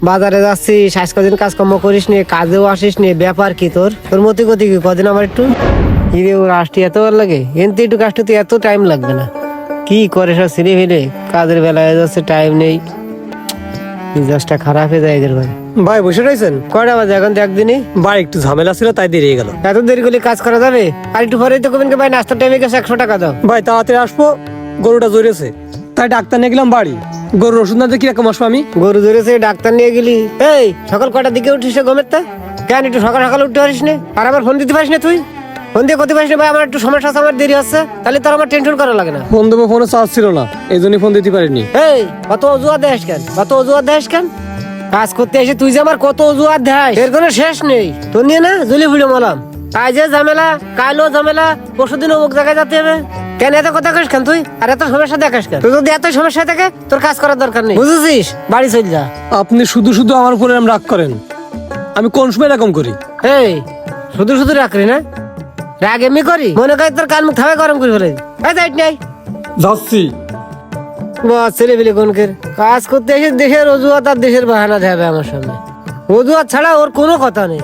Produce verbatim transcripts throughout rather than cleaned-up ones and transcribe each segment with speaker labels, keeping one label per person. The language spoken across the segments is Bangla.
Speaker 1: বাজারে যাচ্ছিস, আজ কদিন কাজকর্ম করিস নি, কাজেও আসিস নি, ব্যাপার কি তোর? তোর মতি গতি কি কদিন আমার একটু হিরে ওর আসতে এত ভালো লাগে, এনতে একটু কাজটা তুই এত টাইম লাগবে না। কি করে সব ছিঁড়ে ফেলে কাজের বেলায় যাচ্ছে, টাইম নেই, মেজাজটা খারাপ হয়ে যায় এদের ভাই।
Speaker 2: ভাই বসে রয়েছেন?
Speaker 1: কয়টা বাজে এখন? দেখ দিনই
Speaker 2: ভাই একটু ঝামেলা ছিল তাই দেরি হয়ে গেল।
Speaker 1: এত দেরি করলে কাজ করা যাবে? আর একটু পরেই তো কবেন ভাই নাস্তার টাইমে গেছে, একশো টাকা দাও।
Speaker 2: ভাই তাড়াতাড়ি আসবো, গরুটা জড়িয়েছে তাই ডাক্তার নিয়ে গেলাম বাড়ি। গরুর ওষুধ না দিয়ে কিরকম আসবো আমি?
Speaker 1: গরু ধরেছে ডাক্তার নিয়ে গেলি? এই সকাল কটার দিকে উঠিস রে ঘুমের তা? কেন একটু সকাল সকাল উঠতে পারিস না? আর আবার ফোন দিতে পারিস না তুই? ফোন দিয়ে করতে পারিস না? ভাই আমার একটু সমস্যা আছে, আমার দেরি হচ্ছে, তাহলে তোর আমার টেনশন করা লাগে না।
Speaker 2: ফোন দেবো, ফোনে চার্জ ছিল না এই জন্যই ফোন দিতে পারিনি।
Speaker 1: এই কত অজুহাত দেশ কেন, কত অজুহাত দেশ কেন? কাজ করতে এসে তুই যে আমার কত অজুহাত দেয়, এর কোনো শেষ নেই। তোর নিয়ে না জলি ফুলে মলাম, কাজে ঝামেলা, কালও ঝামেলা, পরশুদিন অমুক জায়গায় যেতে হবে। কেন এত কথা কইস কেন তুই? আর এত সমস্যা দেখাস কেন? তুই যদি এত সমস্যা থাকে তোর কাজ করার দরকার নেই, বুঝেছিস? বাড়ি চল যা।
Speaker 2: আপনি শুধু শুধু আমার উপরে এরকম রাগ করেন, আমি কোন সময় এরকম করি?
Speaker 1: এই শুধু শুধু রাখলি না, রাগ এমনি করি মনে করি তোর কান মুখ থাবে গরম করে ফেলে। এই যাইট নাই
Speaker 2: যাচ্ছি।
Speaker 1: বাস ছেলে পেলে কোনকের কাজ করতে এসে দেশের অজুহাত আর দেশের বাহানা দেবে আমার সামনে। অজুহাত ছাড়া ওর কোনো কথা নেই।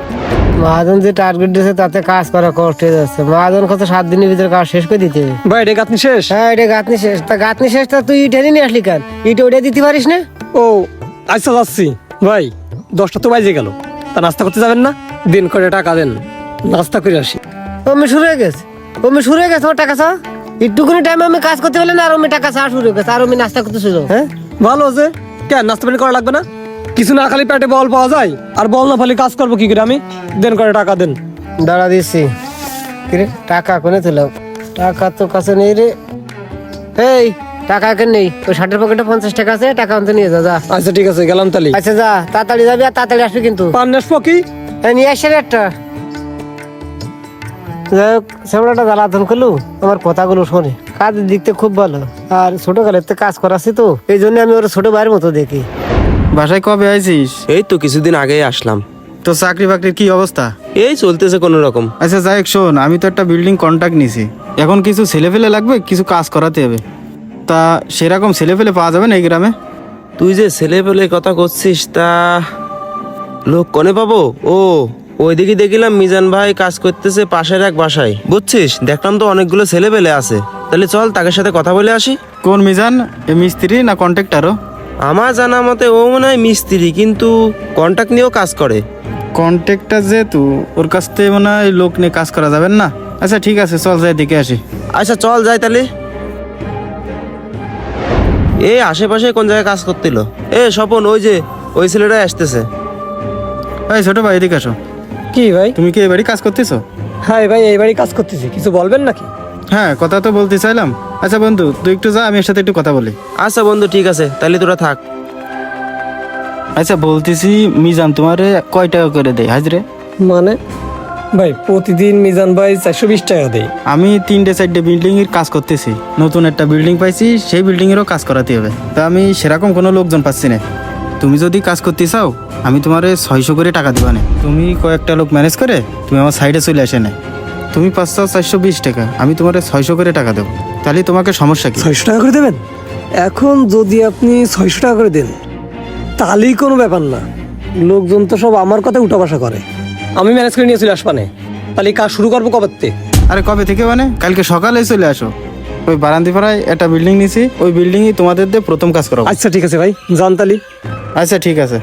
Speaker 1: মহাজন যে টার্গেট দিয়েছে তাতে কাজ করা কষ্ট হয়ে যাচ্ছে। মহাজন কত সাত দিনের ভিতরে কাজ শেষ করে দিতে হবে।
Speaker 2: ভাই এটা আপনি শেষ?
Speaker 1: হ্যাঁ এটা গাঁথনি শেষ। তা গাঁথনি শেষ, তা তুই ইটেরই নিয়ে আসলি কেন? ইট ওটা দিতে পারিস না?
Speaker 2: ও আচ্ছা যাচ্ছি। ভাই দশটা তো বাজে গেল, তা নাস্তা করতে যাবেন না? দিন করে টাকা দেন, নাস্তা করে আসি।
Speaker 1: অমি শুরু হয়ে গেছে, অমি শুরু হয়ে গেছে আমার টাকা চাওয়া। একটুকুনি টাইমে আমি কাজ করতে পারলে না, আর আমি টাকা চাওয়া শুরু হয়ে গেছে, আর আমি নাস্তা করতে শুরু। হ্যাঁ
Speaker 2: ভালো আছে, কেন নাস্তা পানি করা লাগবে না? কিছু না খালি পেটে বল পাওয়া যায়, আর বল না খালি কাজ করবো কি করে আমি? দেন করে টাকা দেন।
Speaker 1: দাঁড়া দিচ্ছি। কিরে টাকা কোনে তুলাম? টাকা তো কাছে নেই রে। এই টাকা কেন নেই? ওই শার্টের পকেটে পঞ্চাশ টাকা আছে, টাকা আনতে নিয়ে যা। যা
Speaker 2: আচ্ছা ঠিক আছে, গেলাম তালি।
Speaker 1: আচ্ছা যা, তাড়াতাড়ি যাবি আর তাড়াতাড়ি আসবি কিন্তু।
Speaker 2: পান আসবো কি?
Speaker 1: এই নিয়ে আসছে রে একটা। যাই হোক সেমলাটা জ্বালাতন করলু, আমার কথাগুলো শোনে, কাজের দিকতে খুব ভালো, আর ছোট কালের তো কাজ করাচ্ছি তো এই জন্য আমি ওর ছোট ভাইয়ের মতো দেখি।
Speaker 3: বাসায় কবে আইছিস?
Speaker 4: এই তো কিছুদিন আগেই আসলাম।
Speaker 3: তো চাকরি বাকরির কি অবস্থা?
Speaker 4: এই চলতেছে কোনো রকম।
Speaker 3: আচ্ছা যাই হোক, শোন, আমি তো একটা বিল্ডিং কন্ট্রাক্ট নিছি, এখন কিছু ছেলে ফেলে লাগবে, কিছু কাজ করাতে হবে। তা সেরকম ছেলে ফেলে পাওয়া যাবে না এই গ্রামে?
Speaker 4: তুই যে ছেলে পেলে কথা করছিস, তা লোক কনে পাবো? ও ওইদিকে দেখিলাম মিজান ভাই কাজ করতেছে পাশের এক বাসায়, বুঝছিস? দেখলাম তো অনেকগুলো ছেলে পেলে আছে, তাহলে চল তাদের সাথে কথা বলে আসি।
Speaker 3: কোন মিজান? এ মিস্ত্রি না কন্ট্রাক্টারও?
Speaker 4: আমার জানা মতে ও মনে হয় মিস্ত্রি, কিন্তু কন্ট্রাক্ট নিয়েও কাজ করে।
Speaker 3: কন্ট্রাক্টার যেহেতু, ওর কাছ থেকে মনে হয় লোক নিয়ে কাজ করা যাবেন না। আচ্ছা ঠিক আছে, চল যাই দেখে আসি।
Speaker 4: আচ্ছা চল যাই তাহলে। এই আশেপাশে কোন জায়গায় কাজ করছিল? এ স্বপন, ওই যে ওই ছেলেটাই আসতেছে।
Speaker 3: এই ছোট ভাই এদিকে আসো।
Speaker 2: কি ভাই?
Speaker 3: তুমি কি এই বাড়ি কাজ করতেছো?
Speaker 2: হ্যাঁ ভাই এই বাড়ি কাজ করতেছি, কিছু বলবেন নাকি?
Speaker 3: হ্যাঁ কথা তো বলতে চাইলাম। আচ্ছা বন্ধু তুই একটু যা, আমি এর সাথে একটু কথা বলি।
Speaker 4: আচ্ছা বন্ধু ঠিক আছে, তাহলে তোরা থাক।
Speaker 3: আচ্ছা বলতেছি, মিজান তোমারে কয় টাকা করে দেয় হাজরে?
Speaker 2: মানে ভাই প্রতিদিন মিজান ভাই চারশো বিশ টাকা দেয়।
Speaker 3: আমি তিনটে চারটে বিল্ডিং এর কাজ করতেছি, নতুন একটা বিল্ডিং পাইছি, সেই বিল্ডিং এরও কাজ করাতে হবে। তা আমি সেরকম কোনো লোকজন পাচ্ছি না। তুমি যদি কাজ করতে চাও আমি তোমারে ছয়শো করে টাকা দিবা না। তুমি কয়েকটা লোক ম্যানেজ করে তুমি আমার সাইডে চলে আসে না। তুমি পাঁচশো চারশো বিশ টাকা, আমি তোমারে ছয়শো করে টাকা দেবো, তাহলে তোমাকে সমস্যা কি?
Speaker 2: ছয়শো টাকা করে দেবেন? এখন যদি আপনি ছয়শো টাকা করে দেন তাহলেই কোনো ব্যাপার না, লোকজন তো সব আমার কথা উঠা বসা করে। আমি ম্যানেজ করে নিয়ে চলে আসবানে, তাহলে কাজ শুরু করবো কবে থেকে?
Speaker 3: আরে কবে থেকে মানে? কালকে সকালে চলে আসো। ওই বারান্দিপাড়ায় একটা বিল্ডিং নিছি, ওই বিল্ডিংই তোমাদের দিয়ে প্রথম কাজ করাবো।
Speaker 2: আচ্ছা ঠিক আছে ভাই, যান তালি।
Speaker 3: আচ্ছা ঠিক আছে।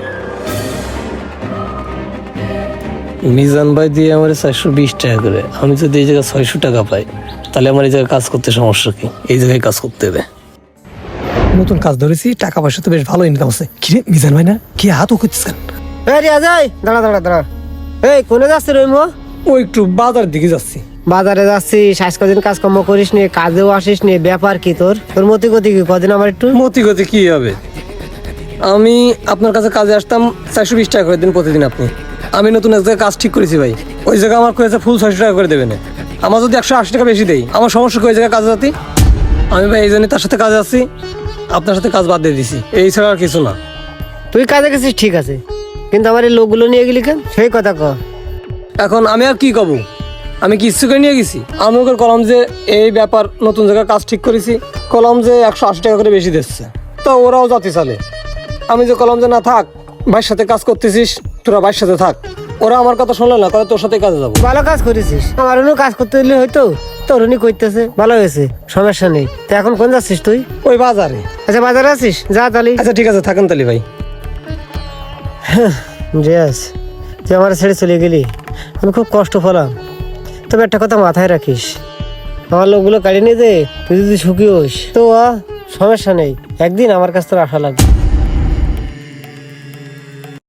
Speaker 2: মিজান ভাই দিয়ে আমার চারশো বিশ টাকা করে, আমি যদি এই জায়গায় ছয়শো টাকা পাই তাহলে আমার এই জায়গায় কাজ করতে সমস্যা কি? এই জায়গায় কাজ করতে হবে। নতুন কাজ ধরেছি, টাকা পয়সা তো বেশ ভালো ইনকাম আছে। কি রে মিজান ভাই না কি হাত ও করছিস কেন?
Speaker 1: এই রিয়া যাই, দাঁড়া দাঁড়া দাঁড়া। এই কোনে যাচ্ছে রইমো?
Speaker 2: ও একটু বাজার দিকে যাচ্ছি।
Speaker 1: বাজারে যাচ্ছিস, আজ কদিন কাজকর্ম করিস নি, কাজেও আসিস নি, ব্যাপার কি তোর? তোর মতি গতি কি কদিন আমার একটু?
Speaker 2: মতি গতি কি হবে? আমি আপনার কাছে কাজে আসতাম, চারশো বিশ টাকা করে দিন প্রতিদিন আপনি। আমি নতুন এক জায়গায় কাজ ঠিক করেছি ভাই, ওই জায়গায় আমার কয়েছে ফুল ছয়শো টাকা করে দেবেন। আমার যদি একশো আশি টাকা বেশি দেয় আমার সমস্যা, ওই জায়গায় কাজে যাতি আমি ভাই এই জন্য তার সাথে কাজে আসছি, আপনার সাথে কাজ বাদ দিয়ে দিছি, এই ছাড়া আর কিছু না।
Speaker 1: তুই কাজে গেছিস ঠিক আছে, কিন্তু আমার এই লোকগুলো নিয়ে গেলি কেন? সেই কথা ক।
Speaker 2: এখন আমি আর কি কব? আমি কি ইচ্ছে করে নিয়ে গেছি? আমি ওকে কলাম যে এই ব্যাপার, নতুন জায়গায় কাজ ঠিক করেছি, কলাম যে একশো আশি টাকা করে বেশি দিচ্ছে, তা ওরাও জাতি চালে। আমি যে কলম যে না থাক, ভাইয়ের সাথে কাজ করতেছিস, তোরা ভাইয়ের সাথে থাক। ওরা আমার কথা শুনলো না, করে তোর সাথে কাজে যাবো।
Speaker 1: ভালো কাজ করেছিস, আমার অন্য কাজ করতে দিলে হয়তো তোর উনি করতেছে, ভালো হয়েছে, সমস্যা নেই। তো এখন কোন যাচ্ছিস তুই?
Speaker 2: ওই বাজারে।
Speaker 1: আচ্ছা বাজারে আছিস, যা তালি।
Speaker 2: আচ্ছা ঠিক আছে, থাকেন তালি ভাই।
Speaker 1: জেস, তুই আমার ছেড়ে চলে গেলি, আমি খুব কষ্ট পেলাম। তবে একটা কথা মাথায় রাখিস, আমার লোকগুলো কাড়ি নিয়ে দে, তুই যদি সুখী হোস তো আ, সমস্যা নেই, একদিন আমার কাছ থেকে আশা লাগবে।